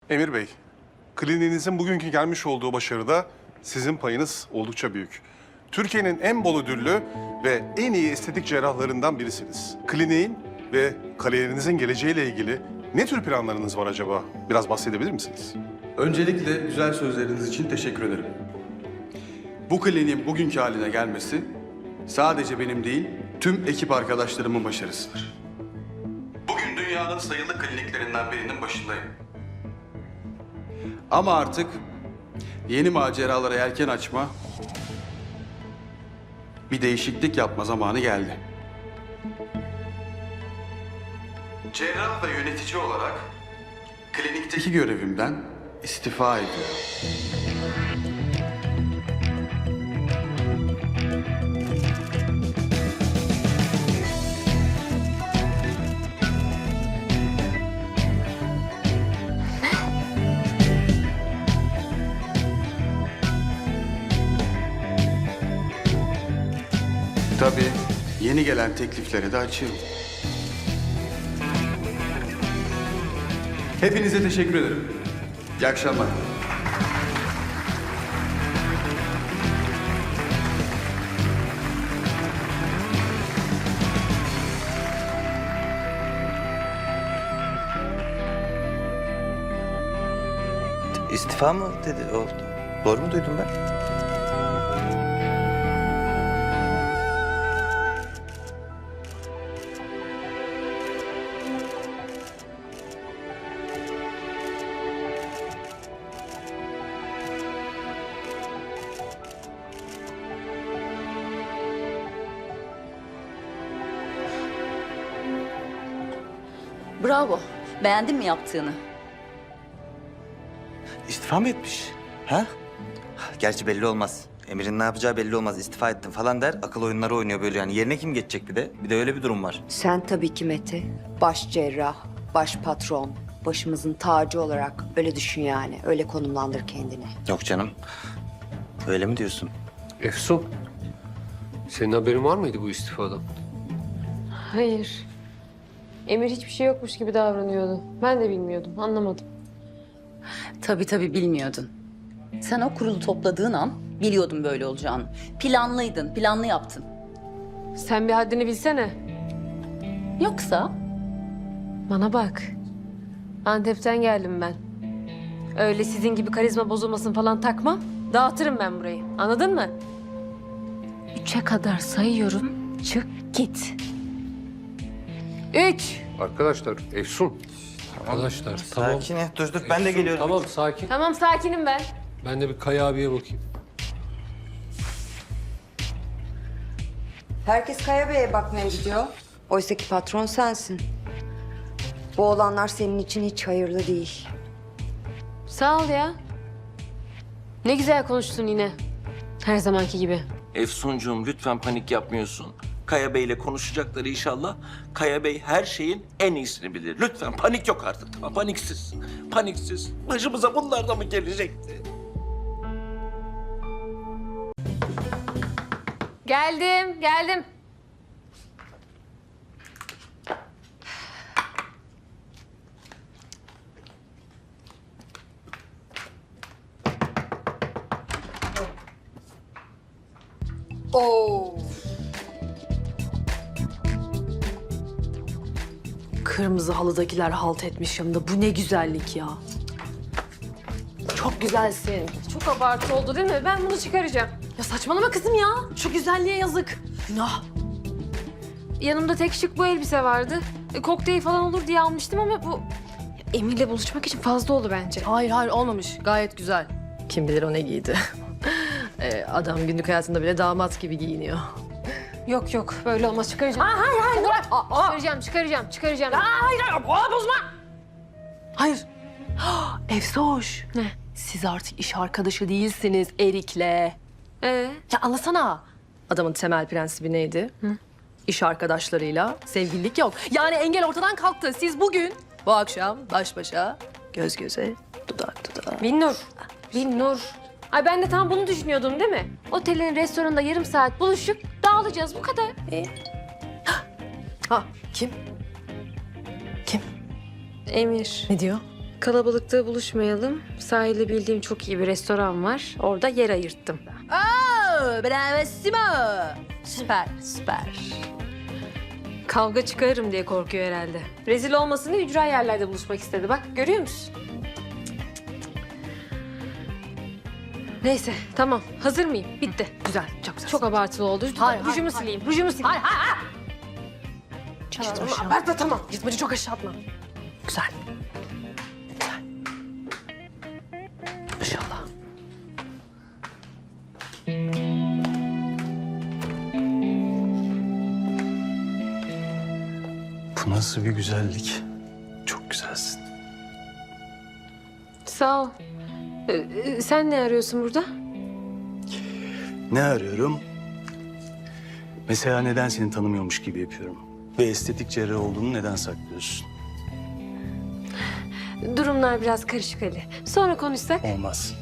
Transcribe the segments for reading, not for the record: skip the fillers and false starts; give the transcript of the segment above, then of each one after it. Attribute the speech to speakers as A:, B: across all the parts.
A: Emir Bey, kliniğinizin bugünkü gelmiş olduğu başarıda sizin payınız oldukça büyük. Türkiye'nin en bol ödüllü ve en iyi estetik cerrahlarından birisiniz. Kliniğin ve kariyerinizin geleceğiyle ilgili ne tür planlarınız var acaba? Biraz bahsedebilir misiniz?
B: Öncelikle güzel sözleriniz için teşekkür ederim. Bu kliniğin bugünkü haline gelmesi sadece benim değil, tüm ekip arkadaşlarımın başarısıdır. Bugün dünyanın sayılı kliniklerinden birinin başındayım. Ama artık yeni maceralara yelken açma, bir değişiklik yapma zamanı geldi. Cerrah ve yönetici olarak klinikteki görevimden istifa ediyorum. Tabii yeni gelen teklifleri de açıyorum. Hepinize teşekkür ederim. İyi akşamlar.
C: İstifa mı dedi o? Doğru mu duydum ben?
D: Bravo. Beğendin mi yaptığını?
C: İstifa mı etmiş? Ha? Gerçi belli olmaz. Emir'in ne yapacağı belli olmaz. İstifa ettim falan der. Akıl oyunları oynuyor böyle yani. Yerine kim geçecek bir de? Bir de öyle bir durum var.
E: Sen tabii ki Mete. Baş cerrah, baş patron, başımızın tacı olarak öyle düşün yani. Öyle konumlandır kendini.
C: Yok canım. Öyle mi diyorsun?
F: Efsun, senin haberin var mıydı bu istifadan?
G: Hayır. Emir hiçbir şey yokmuş gibi davranıyordu. Ben de bilmiyordum, anlamadım.
D: Tabii bilmiyordun. Sen o kurulu topladığın an biliyordun böyle olacağını. Planlıydın, planlı yaptın.
G: Sen bir haddini bilsene.
D: Yoksa
G: Bana bak. Antep'ten geldim ben. Öyle sizin gibi karizma bozulmasın falan takma. Dağıtırım ben burayı. Anladın mı? 3'e kadar sayıyorum. Çık git. 3.
F: Arkadaşlar, Efsun. Arkadaşlar, tamam.
C: Sakin et. Dur ben de geliyorum.
F: Tamam, sakin.
G: Tamam sakinim ben.
F: Ben de bir Kaya abiye bakayım.
E: Herkes Kaya Bey'e bakmaya gidiyor. Oysa ki patron sensin. Bu olanlar senin için hiç hayırlı değil.
G: Sağ ol ya. Ne güzel konuştun yine. Her zamanki gibi.
H: Efsuncuğum lütfen panik yapmıyorsun. Kaya Bey'le konuşacaklar inşallah. Kaya Bey her şeyin en iyisini bilir. Lütfen panik yok artık tamam paniksiz. Paniksiz. Başımıza bunlar da mı gelecekti?
G: Geldim.
E: Oo.
I: Kırmızı halıdakiler halt etmiş yanında. Bu ne güzellik ya. Çok güzelsin.
G: Çok abartı oldu değil mi? Ben bunu çıkaracağım.
I: Ya saçmalama kızım ya. Şu güzelliğe yazık. Günah.
G: Yanımda tek şık bu elbise vardı. Kokteyl falan olur diye almıştım ama bu... Emir'le buluşmak için fazla oldu bence.
I: Hayır olmamış. Gayet güzel. Kim bilir o ne giydi. Adam günlük hayatında bile damat gibi giyiniyor.
G: Yok böyle olmaz çıkaracağım. Hayır bırak. Çıkaracağım.
I: Hayır. Efsoş.
G: Ne?
I: Siz artık iş arkadaşı değilsiniz Erik'le. Ya anlasana. Adamın temel prensibi neydi? İş arkadaşlarıyla sevgililik yok. Yani engel ortadan kalktı. Siz bugün, bu akşam baş başa, göz göze, dudak dudağa.
G: Binnur. Ay ben de tam bunu düşünüyordum değil mi? Otelin restoranında yarım saat buluşup dağılacağız bu kadar.
I: Ha, kim? Kim?
G: Emir.
I: Ne diyor?
G: Kalabalıkta buluşmayalım. Sahilde bildiğim çok iyi bir restoran var. Orada yer ayırttım.
D: Bravissimo. Süper, süper.
G: Kavga çıkarırım diye korkuyor herhalde. Rezil olmasın diye ücra yerlerde buluşmak istedi. Bak görüyor musun? Neyse tamam. Hazır mıyım? Bitti.
I: Güzel, çok güzel.
G: Çok abartılı oldu.
I: Hayır,
G: Rujumu
I: hayır,
G: sileyim. Rujumu sileyim.
I: Hayır, hayır, hayır.
G: Tamam, abartma tamam.
I: Gitmeci çok aşağı atma. Güzel. Güzel. İnşallah.
B: Bu nasıl bir güzellik? Çok güzelsin.
G: Sağ ol. Sen ne arıyorsun burada?
B: Ne arıyorum? Mesela neden seni tanımıyormuş gibi yapıyorum? Ve estetik cerrah olduğunu neden saklıyorsun?
G: Durumlar biraz karışık Ali. Sonra konuşsak.
B: Olmaz.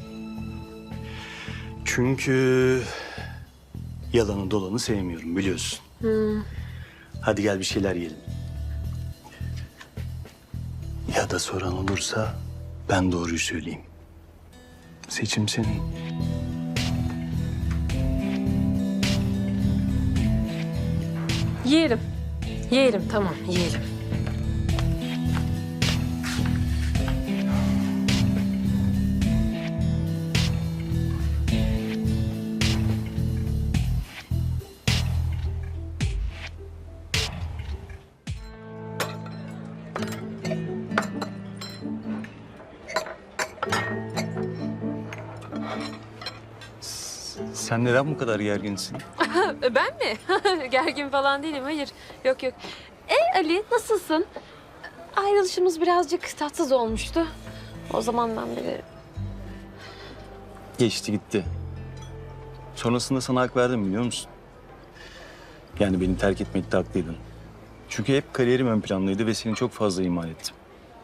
B: Çünkü yalanı dolanı sevmiyorum biliyorsun. Hadi gel bir şeyler yiyelim. Ya da soran olursa ben doğruyu söyleyeyim. Seçim senin.
G: Yiyelim. Yiyelim tamam yiyelim.
B: Sen neden bu kadar gerginsin?
G: Ben mi? Gergin falan değilim hayır. Yok yok. Ali nasılsın? Ayrılışımız birazcık tatsız olmuştu. O zamandan beri.
B: Geçti gitti. Sonrasında sana hak verdim biliyor musun? Yani beni terk etmekte haklıydın. Çünkü hep kariyerim ön plandaydı ve seni çok fazla ihmal ettim.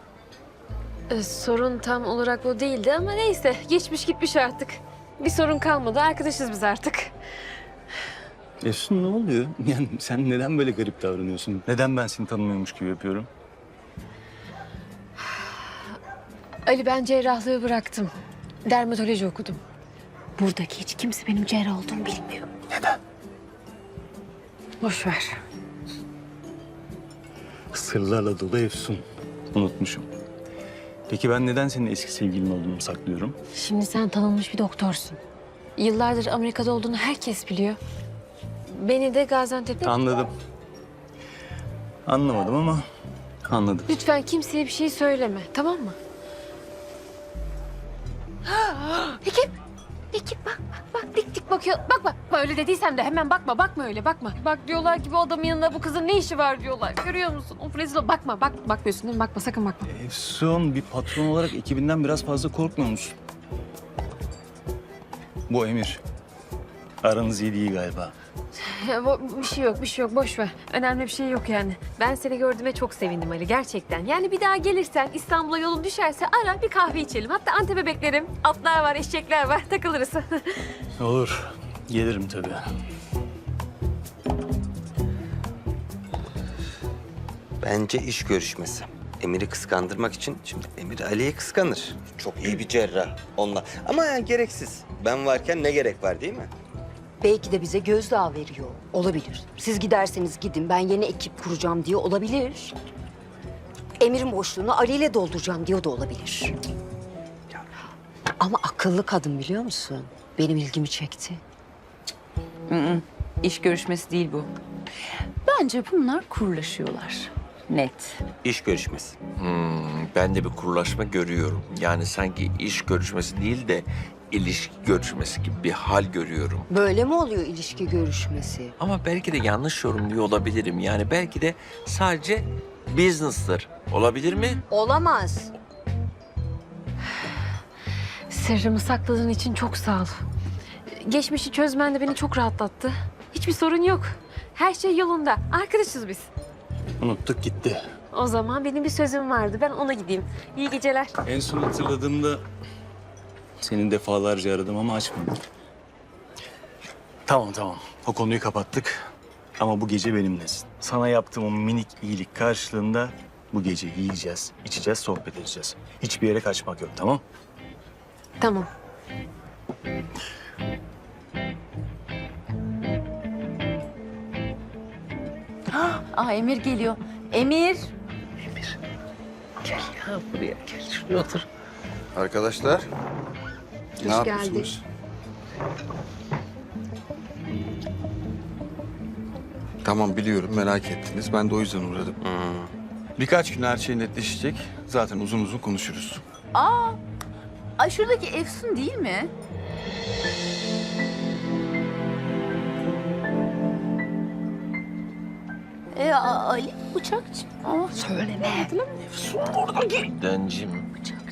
G: Sorun tam olarak o değildi ama neyse. Geçmiş gitmiş artık. Bir sorun kalmadı. Arkadaşız biz artık.
B: Efsun ne oluyor? Yani sen neden böyle garip davranıyorsun? Neden ben seni tanımıyormuş gibi yapıyorum?
G: Ali ben cerrahlığı bıraktım. Dermatoloji okudum. Buradaki hiç kimse benim cerrah olduğumu bilmiyor.
B: Neden?
G: Boş ver.
B: Sırlarla dolu Efsun. Unutmuşum. Peki ben neden senin eski sevgilin olduğunu saklıyorum?
G: Şimdi sen tanınmış bir doktorsun. Yıllardır Amerika'da olduğunu herkes biliyor. Beni de Gaziantep'te...
B: Anladım. Anlamadım ama anladım.
G: Lütfen kimseye bir şey söyleme, tamam mı? Ekip bak dik dik bakıyor. Bakma öyle dediysem de hemen bakma öyle bakma. Bak diyorlar ki bu adamın yanında bu kızın ne işi var diyorlar. Görüyor musun? Of rezil ol. Bakmıyorsun değil mi? Bakma sakın bakma.
B: Efsun bir patron olarak ekibinden biraz fazla korkmuyor musun? Bu Emir. Aranız iyi değil galiba.
G: Bir şey yok boş ver. Önemli bir şey yok yani. Ben seni gördüğüme çok sevindim Ali gerçekten. Yani bir daha gelirsen İstanbul'a yolun düşerse ara bir kahve içelim. Hatta Antep'e beklerim. Atlar var, eşekler var. Takılırız.
B: Olur. Gelirim tabii.
C: Bence iş görüşmesi. Emir'i kıskandırmak için şimdi Emir Ali'yi kıskanır. Çok iyi bir cerrah onunla. Ama yani gereksiz. Ben varken ne gerek var değil mi?
E: Belki de bize gözdağı veriyor. Olabilir. Siz giderseniz gidin, ben yeni ekip kuracağım diye olabilir. Emir'in boşluğunu Ali ile dolduracağım diyor da olabilir. Ama akıllı kadın biliyor musun? Benim ilgimi çekti.
D: İş görüşmesi değil bu. Bence bunlar kurlaşıyorlar. Net.
C: İş görüşmesi.
H: Ben de bir kurulaşma görüyorum. Yani sanki iş görüşmesi değil de ilişki görüşmesi gibi bir hal görüyorum.
E: Böyle mi oluyor ilişki görüşmesi?
H: Ama belki de yanlış yorumluyor olabilirim. Yani belki de sadece business'tır. Olabilir mi?
E: Olamaz.
G: Sırrımı sakladığın için çok sağ ol. Geçmişi çözmen de beni çok rahatlattı. Hiçbir sorun yok. Her şey yolunda. Arkadaşız biz.
B: Unuttuk gitti.
G: O zaman benim bir sözüm vardı. Ben ona gideyim. İyi geceler.
B: En son hatırladığımda seni defalarca aradım ama açmadın. Tamam. O konuyu kapattık. Ama bu gece benimlesin. Sana yaptığım o minik iyilik karşılığında
J: Bu gece yiyeceğiz, içeceğiz, sohbet edeceğiz. Hiçbir yere kaçmak yok, tamam?
G: Tamam.
D: Aa Emir geliyor. Emir.
B: Arkadaşlar, ne
I: Hoş
B: yapıyorsunuz? Tamam biliyorum merak ettiniz. Ben de o yüzden uğradım. Birkaç gün her şey netleşecek. Zaten uzun uzun konuşuruz.
D: Ay şuradaki Efsun değil mi? Ali Bıçakçı. Aa, söyleme.
H: Dencim.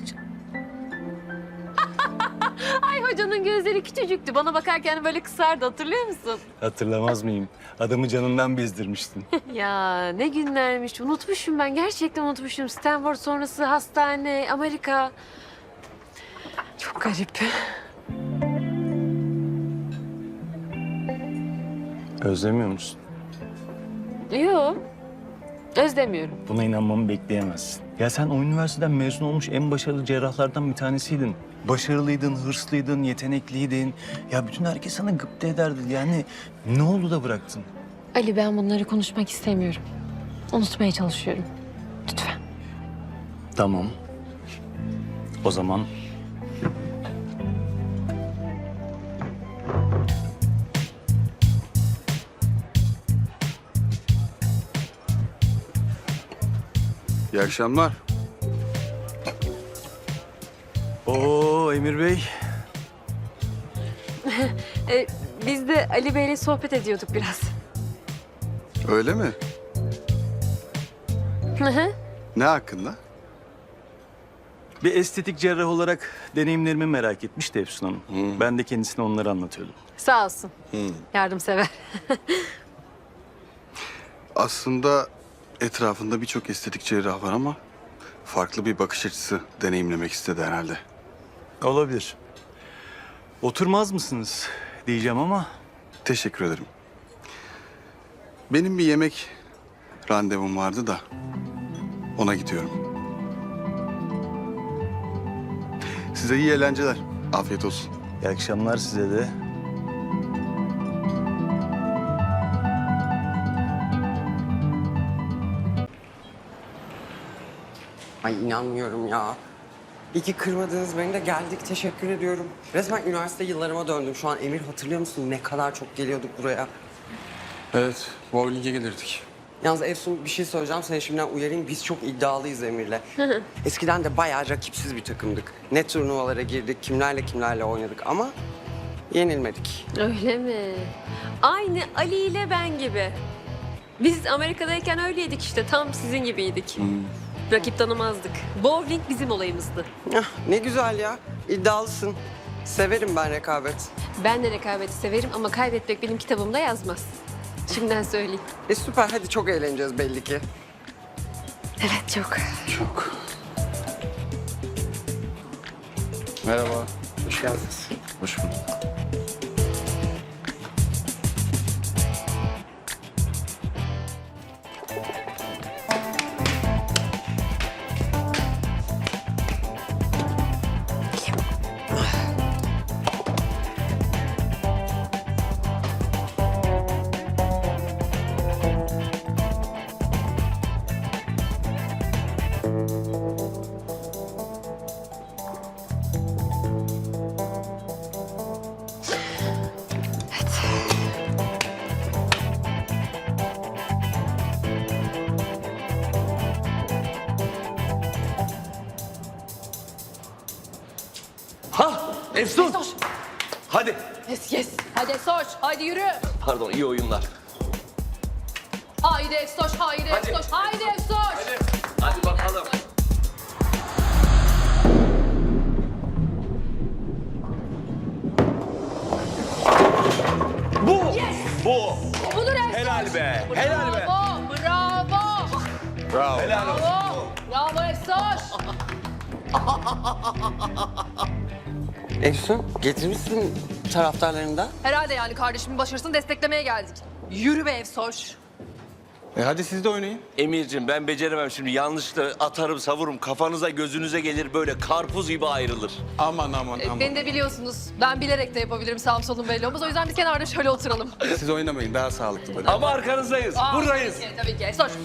G: Ay hocanın gözleri küçücüktü. Bana bakarken böyle kısardı, hatırlıyor musun?
J: Hatırlamaz mıyım? Adamı canından bezdirmiştin.
G: Ya ne günlermiş. Unutmuşum ben. Gerçekten unutmuşum. Stanford sonrası hastane, Amerika. Çok garip.
J: Özlemiyor musun?
G: Yok. Özlemiyorum.
J: Buna inanmamı bekleyemezsin. Ya sen o üniversiteden mezun olmuş en başarılı cerrahlardan bir tanesiydin. Başarılıydın, hırslıydın, yetenekliydin. Ya bütün herkes sana gıpta ederdi. Yani ne oldu da bıraktın?
G: Ali, ben bunları konuşmak istemiyorum. Unutmaya çalışıyorum. Lütfen.
J: Tamam. O zaman
B: İyi akşamlar.
J: Oo Emir Bey.
G: Biz de Ali Bey'le sohbet ediyorduk biraz.
B: Öyle mi?
G: Hı hı.
B: Ne hakkında?
J: Bir estetik cerrah olarak deneyimlerimi merak etmişti Efsun Hanım. Ben de kendisine onları anlatıyordum.
G: Sağ olsun. Yardımsever.
B: Aslında etrafında birçok estetik cerrah var ama farklı bir bakış açısı deneyimlemek istedi herhalde.
J: Olabilir. Oturmaz mısınız diyeceğim ama
B: Teşekkür ederim. Benim bir yemek randevum vardı da ona gidiyorum. Size iyi eğlenceler. Afiyet olsun.
J: iyi akşamlar size de.
K: Ay inanmıyorum ya. İyi ki kırmadınız beni de geldik. Teşekkür ediyorum. Resmen üniversite yıllarıma döndüm. Şu an Emir hatırlıyor musun? Ne kadar çok geliyorduk buraya.
B: Evet, bowling'e gelirdik.
K: Yalnız Efsun bir şey söyleyeceğim. Seni şimdiden uyarayım. Biz çok iddialıyız Emir'le. Eskiden de bayağı rakipsiz bir takımdık. Ne turnuvalara girdik, kimlerle oynadık ama yenilmedik.
G: Öyle mi? Aynı Ali ile ben gibi. Biz Amerika'dayken öyleydik işte. Tam sizin gibiydik. Rakip tanımazdık. Bowling bizim olayımızdı.
K: Ah, ne güzel ya. İddialısın. Severim ben rekabet.
G: Ben de rekabeti severim ama kaybetmek benim kitabımda yazmaz. Şimdiden söyleyeyim.
K: Süper. Hadi çok eğleneceğiz belli ki.
G: Evet, çok.
B: Çok. Merhaba.
K: Hoş geldiniz.
B: Hoş bulduk.
H: Efsun! Hadi.
I: Yes. Hadi Efsoş, hadi yürü.
H: Pardon, iyi oyunlar.
I: Haydi Efsoş, haydi Efsoş, haydi Efsoş.
H: Hadi bakalım. Bu.
I: Budur Efsoş.
H: Helal be.
I: Bravo.
H: Helal olsun.
I: Bravo Efsoş.
K: Efsun getirmişsin taraftarlarını da.
I: Herhalde yani kardeşimin başarısını desteklemeye geldik. Yürü be Efsoş.
B: Hadi siz de oynayın.
H: Emir'cim ben beceremem şimdi. Yanlışlıkla atarım savururum. Kafanıza gözünüze gelir böyle karpuz gibi ayrılır.
B: Aman.
I: Beni de biliyorsunuz. Ben bilerek de yapabilirim, sağım solum belli olmaz. O yüzden biz kenarda şöyle oturalım.
B: Siz oynamayın, daha sağlıklı böyle.
H: Ama arkanızdayız. Buradayız.
I: Tabii ki. Sor.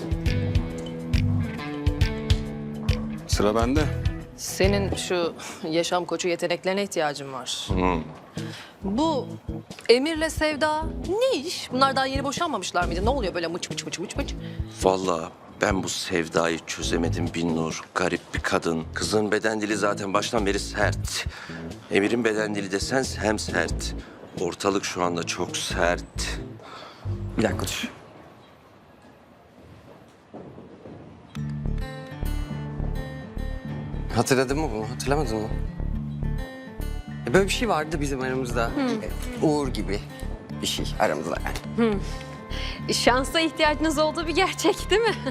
B: Sıra bende.
I: Senin şu yaşam koçu yeteneklerine ihtiyacın var. Bu Emir'le Sevda ne iş? Bunlar daha yeni boşanmamışlar mıydı? Ne oluyor böyle mıç mıç?
H: Vallahi ben bu Sevda'yı çözemedim Binnur. Garip bir kadın. Kızın beden dili zaten baştan beri sert. Emir'in beden dili desen hem sert. Ortalık şu anda çok sert.
K: Bir dakika dur. Hatırladın mı bunu? Hatırlamadın mı? Böyle bir şey vardı bizim aramızda. Uğur gibi bir şey aramızda yani.
G: Şansa ihtiyacınız olduğu bir gerçek değil mi?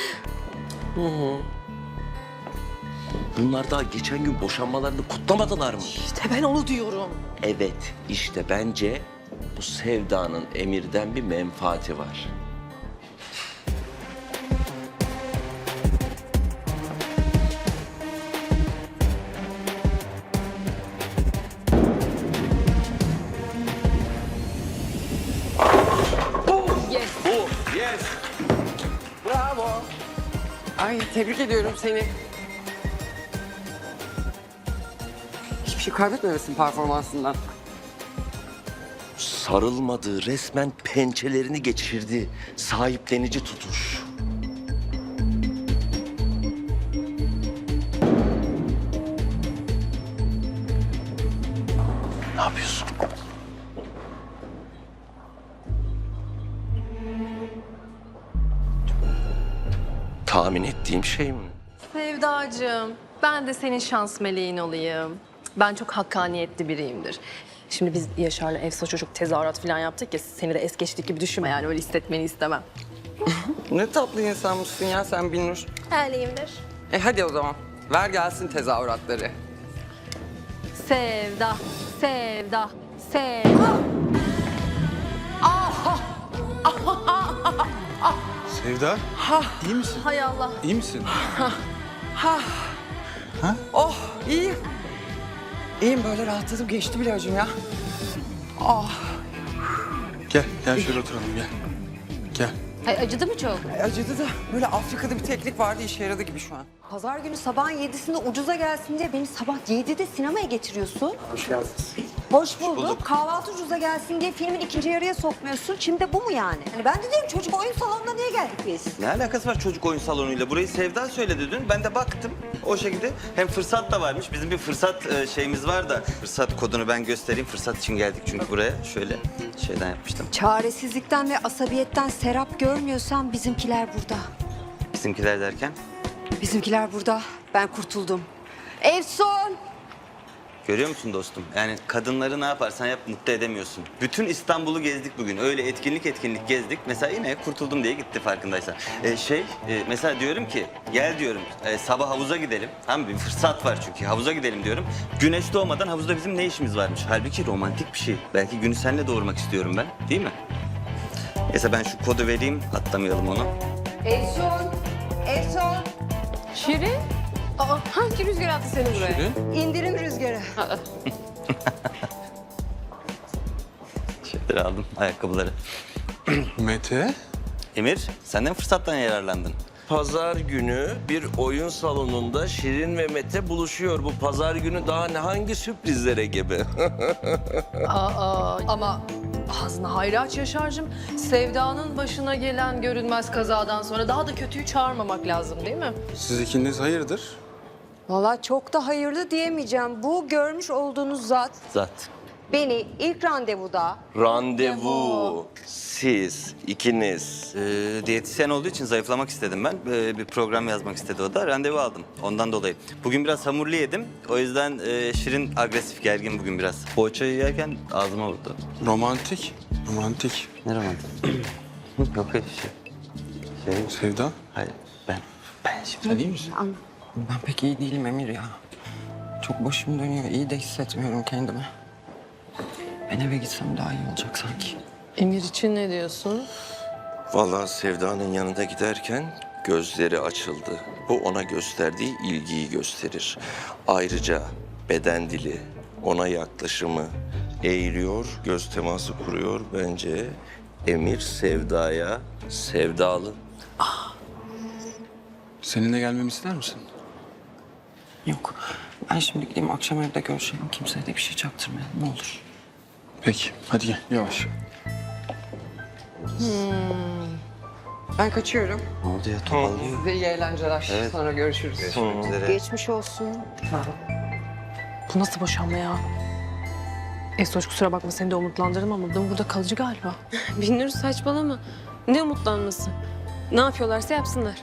H: Bunlar daha geçen gün boşanmalarını kutlamadılar mı?
I: İşte ben onu diyorum.
H: Evet, işte bence bu Sevda'nın Emir'den bir menfaati var.
K: Bravo. Ay tebrik ediyorum seni. Hiçbir şey kaybetmemesin performansından.
H: Sarılmadı, resmen pençelerini geçirdi. Sahiplenici tutuş. Ne yapıyorsun? Tahmin ettiğim şey mi?
I: Sevdacığım, ben de senin şans meleğin olayım. Ben çok hakkaniyetli biriyimdir. Şimdi biz Yaşar'la Efsa çocuk tezahürat falan yaptık ya, seni de es geçtik gibi düşünme yani, öyle hissetmeni istemem.
K: Ne tatlı insanmışsın ya sen Binnur.
I: Öyleyimdir.
K: Hadi o zaman. Ver gelsin tezahüratları.
I: Sevda, sevda, sevda.
B: Sevda, iyi misin?
I: Hay Allah.
B: İyi misin?
K: Oh iyiyim. İyiyim böyle rahatladım geçti bile acım ya.
B: Gel şöyle oturalım gel. Gel.
D: Ay, acıdı mı çok?
K: Acıdı da böyle Afrika'da bir teknik vardı işe yaradı gibi şu an.
E: Pazar günü sabahın 7'sinde ucuza gelsin diye beni sabah 7'de sinemaya getiriyorsun.
K: Hoş geldiniz.
E: Hoş bulduk. Kahvaltı ucuza gelsin diye filmin ikinci yarıya sokmuyorsun. Şimdi de bu mu yani? Hani ben de diyorum çocuk oyun salonuna niye geldik biz?
C: Ne alakası var çocuk oyun salonuyla? Burayı Sevda söyledi dün. Ben de baktım o şekilde. Hem fırsat da varmış. Bizim bir fırsat şeyimiz var da. Fırsat kodunu ben göstereyim. Fırsat için geldik çünkü buraya. Şöyle şeyden yapmıştım.
E: Çaresizlikten ve asabiyetten serap görmüyorsan bizimkiler burada.
C: Bizimkiler derken.
E: Bizimkiler burada. Ben kurtuldum. Efsun!
C: Görüyor musun dostum? Yani kadınları ne yaparsan yap mutlu edemiyorsun. Bütün İstanbul'u gezdik bugün. Öyle etkinlik gezdik. Mesela yine kurtuldum diye gitti farkındaysan. Mesela diyorum ki gel diyorum sabah havuza gidelim. Tamam bir fırsat var çünkü havuza gidelim diyorum. Güneş doğmadan havuzda bizim ne işimiz varmış? Halbuki romantik bir şey. Belki günü seninle doğurmak istiyorum ben. Değil mi? Neyse ben şu kodu vereyim. Atlamayalım onu.
E: Efsun! Efsun!
G: Şirin? Aa, hangi rüzgar attı seni buraya?
E: İndirim rüzgarı.
C: Şeyleri aldım ayakkabıları.
B: Mete.
C: Emir sen de fırsattan yararlandın.
H: Pazar günü bir oyun salonunda Şirin ve Mete buluşuyor. Bu pazar günü daha ne hangi sürprizlere gebe?
I: Ama ağzını hayra aç Yaşar'cığım. Sevda'nın başına gelen görünmez kazadan sonra daha da kötüyü çağırmamak lazım değil mi?
B: Siz ikiniz hayırdır?
E: Vallahi çok da hayırlı diyemeyeceğim. Bu görmüş olduğunuz zat
C: Zat.
E: beni ilk randevuda
H: Randevu. Siz ikiniz.
C: Diyetisyen olduğu için zayıflamak istedim ben. Bir program yazmak istedi o da. Randevu aldım ondan dolayı. Bugün biraz hamurlu yedim. O yüzden Şirin agresif, gergin bugün biraz. Poğaçayı yerken ağzıma vurdu.
B: Romantik.
C: Ne romantik? Yok öyle şey.
B: Sevda.
C: Hayır ben şimdi.
B: Sen iyi misin?
K: Ben pek iyi değilim Emir ya. Çok başım dönüyor. İyi de hissetmiyorum kendimi. Ben eve gitsem daha iyi olacak sanki.
I: Emir için ne diyorsun?
H: Vallahi Sevda'nın yanında giderken gözleri açıldı. Bu ona gösterdiği ilgiyi gösterir. Ayrıca beden dili, ona yaklaşımı eğiliyor, göz teması kuruyor. Bence Emir Sevda'ya sevdalı.
B: Seninle gelmemi ister misin?
K: Yok. Ben şimdi gideyim akşam evde görüşelim. Kimseye de bir şey çaktırmayalım ne olur.
B: Peki, hadi gel yavaş.
K: Ben kaçıyorum.
C: Ne oldu ya, topallıyor.
K: Size iyi eğlenceler.
C: Evet.
K: Sonra görüşürüz.
C: Görüşmek üzere.
E: Geçmiş olsun.
I: Bu nasıl boşanma ya? Esoş kusura bakma seni de umutlandırdım ama bu burada kalıcı galiba.
G: Binnur saçmalama. Ne umutlanması? Ne yapıyorlarsa yapsınlar.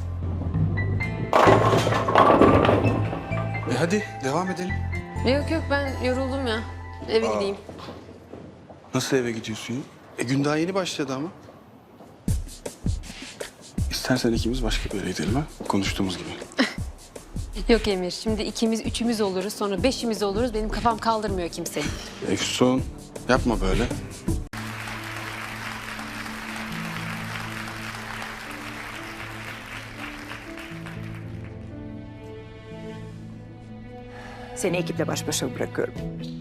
B: Hadi devam edelim.
G: Yok yok ben yoruldum ya. Eve gideyim.
B: Nasıl eve gidiyorsun ya? Gün daha yeni başladı ama. İstersen ikimiz başka bir yere gidelim ha? Konuştuğumuz gibi.
G: Yok Emir şimdi ikimiz üçümüz oluruz sonra beşimiz oluruz. Benim kafam kaldırmıyor kimseyi.
B: Efsun, yapma böyle.
L: Seni ekiple baş başa bırakıyorum.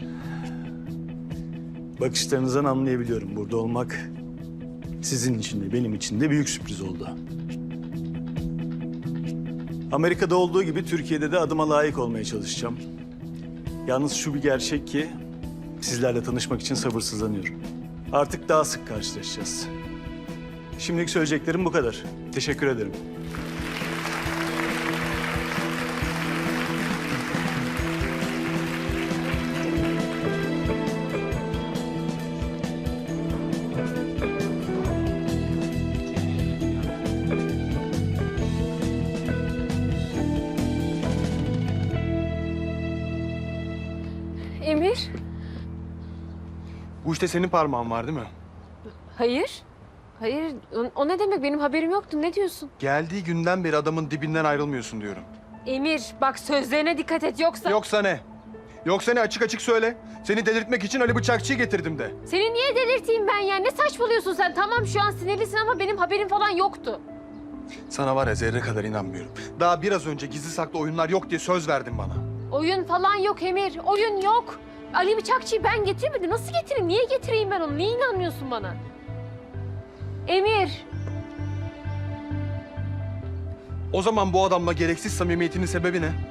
J: Bakışlarınızdan anlayabiliyorum. Burada olmak sizin için de benim için de büyük sürpriz oldu. Amerika'da olduğu gibi Türkiye'de de adıma layık olmaya çalışacağım. Yalnız şu bir gerçek ki sizlerle tanışmak için sabırsızlanıyorum. Artık daha sık karşılaşacağız. Şimdilik söyleyeceklerim bu kadar. Teşekkür ederim.
G: Emir?
B: Bu işte senin parmağın var değil mi?
G: Hayır. Hayır o ne demek benim haberim yoktu ne diyorsun?
B: Geldiği günden beri adamın dibinden ayrılmıyorsun diyorum.
G: Emir bak sözlerine dikkat et yoksa...
B: Yoksa ne? Yoksa ne? Açık açık söyle. Seni delirtmek için Ali Bıçakçı'yı getirdim de.
G: Seni niye delirteyim ben ya? Ne saçmalıyorsun sen? Tamam şu an sinirlisin ama benim haberim falan yoktu.
B: Sana var ya zerre kadar inanmıyorum. Daha biraz önce gizli saklı oyunlar yok diye söz verdin bana.
G: Oyun falan yok Emir. Oyun yok. Ali Bıçakçı'yı ben getirmedim. Nasıl getireyim? Niye getireyim ben onu? Niye inanmıyorsun bana? Emir.
B: O zaman bu adamla gereksiz samimiyetinin sebebi ne?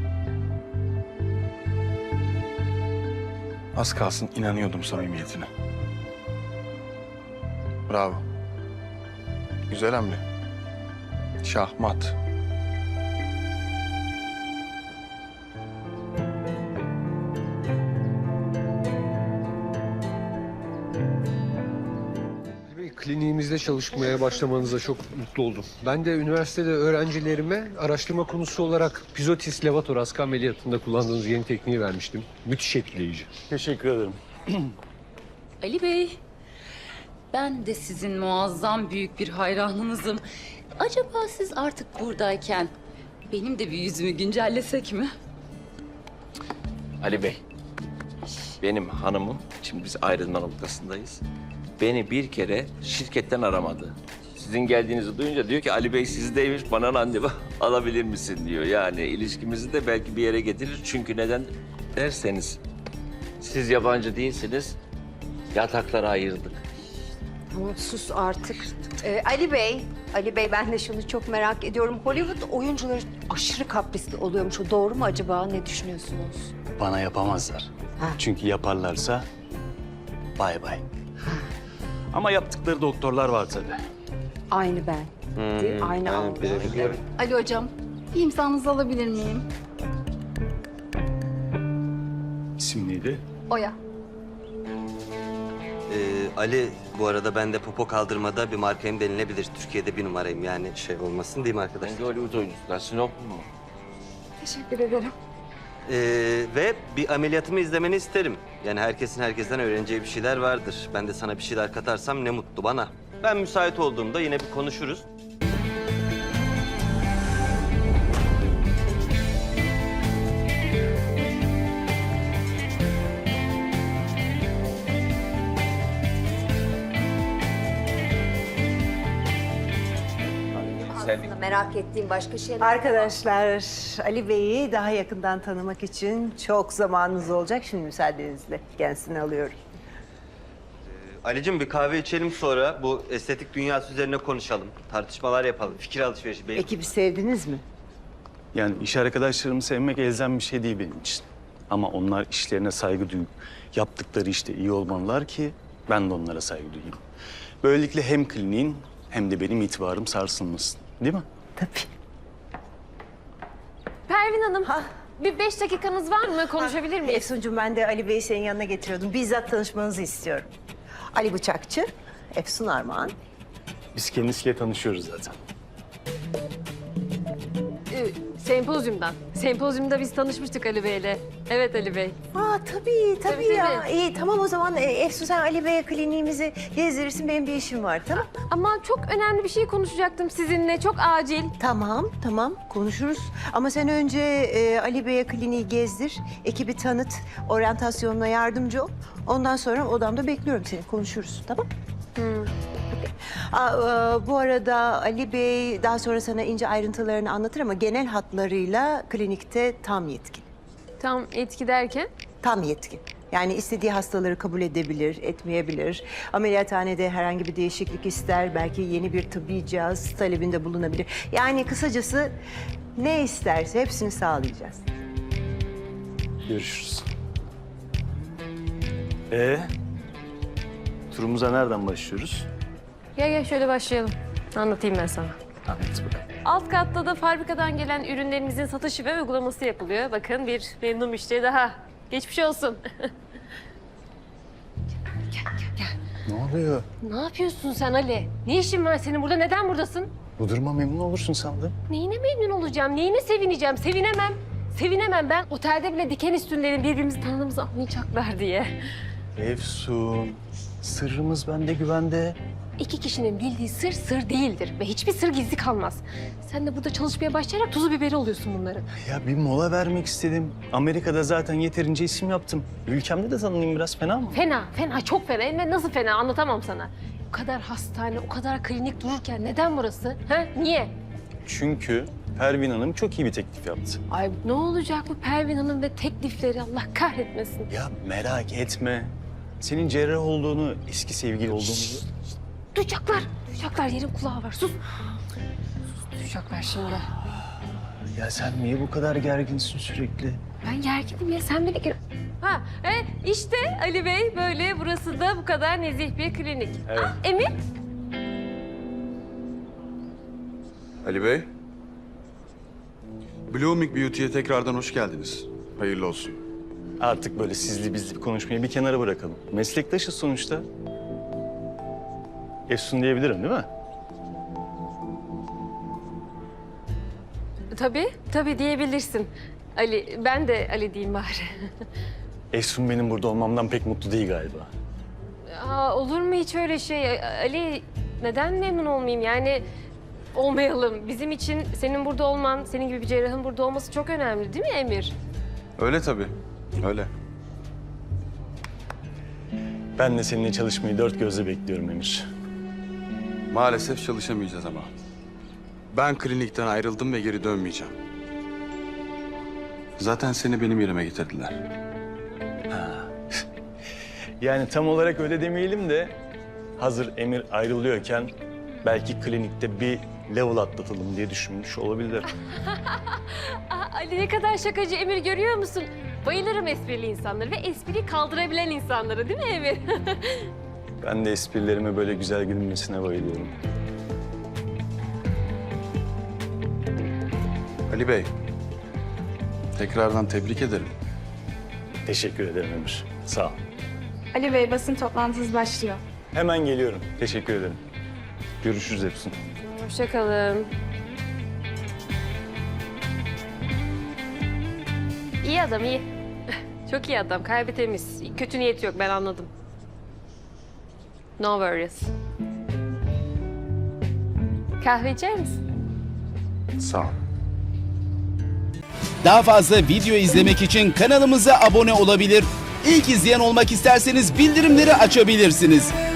B: Az kalsın inanıyordum samimiyetine. Bravo. Güzel hamle. Şahmat.
F: Kliniğimizde çalışmaya başlamanıza çok mutlu oldum. Ben de üniversitede öğrencilerime araştırma konusu olarak pizotis levator ameliyatında kullandığınız yeni tekniği vermiştim. Müthiş etkileyici.
J: Teşekkür ederim.
D: Ali Bey, ben de sizin muazzam büyük bir hayranınızım. Acaba siz artık buradayken benim de bir yüzümü güncellesek mi?
H: Ali Bey, benim hanımım, şimdi biz ayrılma noktasındayız. Beni bir kere şirketten aramadı. Sizin geldiğinizi duyunca diyor ki Ali Bey sizdeymiş, bana randevu alabilir misin diyor. Yani ilişkimizi de belki bir yere getirir. Çünkü neden derseniz siz yabancı değilsiniz, yatakları ayırdık.
E: Tamam sus artık. Ali Bey ben de şunu çok merak ediyorum. Hollywood oyuncuları aşırı kaprisli oluyormuş. O doğru mu acaba? Ne düşünüyorsunuz?
J: Bana yapamazlar.
E: Ha.
J: Çünkü yaparlarsa bay bay. Ama yaptıkları doktorlar var tabii.
E: Aynı ben. Değil mi? Aynı algı.
D: Ali hocam, bir imzanızı alabilir miyim?
J: İsim neydi?
D: Oya.
C: Ali bu arada ben de popo kaldırmada bir markayım denilebilir. Türkiye'de bir numarayım yani şey olmasın değil mi arkadaşlar?
H: Ben de Hollywood oyuncusular, sinop mu?
E: Teşekkür ederim.
C: Ve bir ameliyatımı izlemeni isterim. Yani herkesin herkesten öğreneceği bir şeyler vardır. Ben de sana bir şeyler katarsam ne mutlu bana. Ben müsait olduğumda yine bir konuşuruz. geldik.
E: Merak ettiğim başka şeyler
L: Arkadaşlar, Ali Bey'i daha yakından tanımak için çok zamanınız olacak. Şimdi müsaadenizle kendisini alıyorum.
C: Ali'cim bir kahve içelim sonra bu estetik dünyası üzerine konuşalım. Tartışmalar yapalım, fikir alışverişi.
L: Ekibi sevdiniz mi?
J: Yani iş arkadaşlarımı sevmek elzem bir şey değil benim için. Ama onlar işlerine saygı duyup yaptıkları işte iyi olmalılar ki ben de onlara saygı duyayım. Böylelikle hem kliniğin hem de benim itibarım sarsılmasın. Değil mi?
L: Tabii.
G: Pervin Hanım, bir 5 dakikanız var mı? Konuşabilir miyiz?
L: Efsuncuğum, ben de Ali Bey'i senin yanına getiriyordum. Bizzat tanışmanızı istiyorum. Ali Bıçakçı, Efsun Armağan.
J: Biz kendisiyle tanışıyoruz zaten.
G: Sempozyumdan. Sempozyumda biz tanışmıştık Ali Bey'le. Evet Ali Bey.
L: Tabii
G: Tabii,
L: ya.
G: tabii.
L: İyi, tamam o zaman Efsun, sen Ali Bey'e kliniğimizi gezdirirsin. Benim bir işim var, tamam?
G: Ama çok önemli bir şey konuşacaktım sizinle. Çok acil.
L: Tamam konuşuruz. Ama sen önce Ali Bey'e kliniği gezdir, ekibi tanıt, oryantasyonuna yardımcı ol. Ondan sonra odamda bekliyorum seni, konuşuruz, tamam? Bu arada Ali Bey daha sonra sana ince ayrıntılarını anlatır ama genel hatlarıyla klinikte tam yetkin.
G: Tam etki derken?
L: Tam yetkin. Yani istediği hastaları kabul edebilir, etmeyebilir. Ameliyathanede herhangi bir değişiklik ister, belki yeni bir tıbbi cihaz talebinde bulunabilir. Yani kısacası ne isterse hepsini sağlayacağız.
J: Görüşürüz. Turumuza nereden başlıyoruz?
G: Gel şöyle başlayalım. Anlatayım ben sana.
J: Anlat bakalım.
G: Alt katta da fabrikadan gelen ürünlerimizin satışı ve uygulaması yapılıyor. Bakın bir memnun müşteri daha. Geçmiş olsun.
J: Ne oluyor?
G: Ne yapıyorsun sen Ali? Ne işin var senin burada? Neden buradasın?
J: Bu duruma memnun olursun sandım.
G: Neyine memnun olacağım? Neyine sevineceğim? Sevinemem. Sevinemem ben. Otelde bile diken üstündeyim birbirimizi tanıdığımızı anlayacaklar diye.
J: Efsun, sırrımız bende güvende.
G: 2 kişinin bildiği sır sır değildir ve hiçbir sır gizli kalmaz. Sen de burada çalışmaya başlayarak tuzu biberi oluyorsun bunların.
J: Ya bir mola vermek istedim. Amerika'da zaten yeterince isim yaptım. Ülkemde de tanınayım biraz, fena mı?
G: Fena, çok fena. Hem de nasıl fena anlatamam sana. O kadar hastane, o kadar klinik dururken neden burası? Ha? Niye?
J: Çünkü Pervin Hanım çok iyi bir teklif yaptı.
G: Ay ne olacak bu Pervin Hanım ve teklifleri Allah kahretmesin.
J: Ya merak etme. Senin cerrah olduğunu, eski sevgili olduğumuzu...
G: Duyacaklar. Yerin kulağı var. Sus. Duyacaklar şimdi.
J: Ya sen niye bu kadar gerginsin sürekli?
G: Ben gerginim ya, sen beni... İşte Ali Bey böyle, burası da bu kadar nezih bir klinik.
J: Evet.
G: Emir?
B: Ali Bey. Blooming Beauty'ye tekrardan hoş geldiniz. Hayırlı olsun.
J: Artık böyle sizli bizli bir konuşmayı bir kenara bırakalım. Meslektaşız sonuçta. Efsun diyebilirim değil mi?
G: Tabii diyebilirsin. Ali, ben de Ali diyeyim bari.
J: Efsun benim burada olmamdan pek mutlu değil galiba.
G: Olur mu hiç öyle şey? Ali, neden memnun olmayayım? Yani olmayalım. Bizim için senin burada olman, senin gibi bir cerrahın burada olması çok önemli değil mi Emir?
B: Öyle tabii, öyle.
J: Ben de seninle çalışmayı dört gözle bekliyorum Emir.
B: Maalesef çalışamayacağız ama. Ben klinikten ayrıldım ve geri dönmeyeceğim. Zaten seni benim yerime getirdiler.
J: Yani tam olarak öyle demeyelim de hazır Emir ayrılıyorken belki klinikte bir level atlatalım diye düşünmüş olabilir.
G: Ali ne kadar şakacı Emir, görüyor musun? Bayılırım esprili insanları ve espri kaldırabilen insanları değil mi Emir?
J: Ben de esprilerime böyle güzel gülünmesine bayılıyorum.
B: Ali Bey, tekrardan tebrik ederim.
J: Teşekkür ederim Emir. Sağ ol.
M: Ali Bey, basın toplantısı başlıyor.
J: Hemen geliyorum. Teşekkür ederim. Görüşürüz Efsun.
G: Hoşça kalın. İyi adam, iyi. Çok iyi adam, kalbi temiz. Kötü niyeti yok, ben anladım. No worries. Kahve içer misin?
B: Sağ ol.
N: Daha fazla video izlemek için kanalımıza abone olabilir. İlk izleyen olmak isterseniz bildirimleri açabilirsiniz.